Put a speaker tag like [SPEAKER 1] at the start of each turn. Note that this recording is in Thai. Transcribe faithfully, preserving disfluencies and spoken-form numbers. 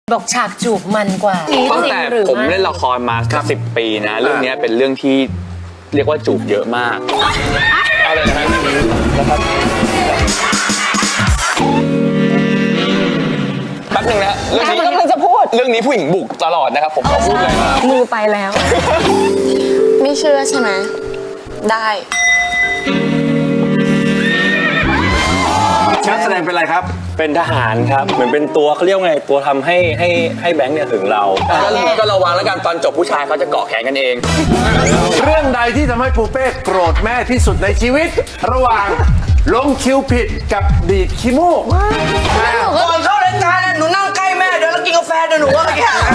[SPEAKER 1] บอกฉากจูบมันกว่า
[SPEAKER 2] ตั้งแต่ผมเล่นละครมาสิบปีนะเรื่องนี้เป็นเรื่องที่เรียกว่าจูบเยอะมากอะไรนะครับแป๊บนึงนะเรื่องนี้กำลังจะพูดเรื่องนี้ผู้หญิงบุกตลอดนะครับผมขอพูดเลยนะ
[SPEAKER 3] มือไปแล้ว ไม่เชื่อใช่ไหมได้
[SPEAKER 4] นักแสดงเป็นอะไรครับ
[SPEAKER 5] เป็นทหารครับเหมือนเป็นตัวเขาเรียกว่าไงตัวทำให้ให้ให้แบงค์เนี่ยถึงเรา
[SPEAKER 2] ก็ก็ระวังแล้วกันตอนจบผู้ชายเขาจะเกาะแขนกันเอง
[SPEAKER 4] เรื่องใดที่ทำให้ปูเป้โกรธแม่ที่สุดในชีวิต ระหว่างลงคิวผิดกับดีดขี้มูก
[SPEAKER 6] ก่อนเข้ารายการน่ะหนูนั่งใกล้แม่เดี๋ยวแล้วกินกาแฟเดี๋ยวหนูว่าเมื่อกี้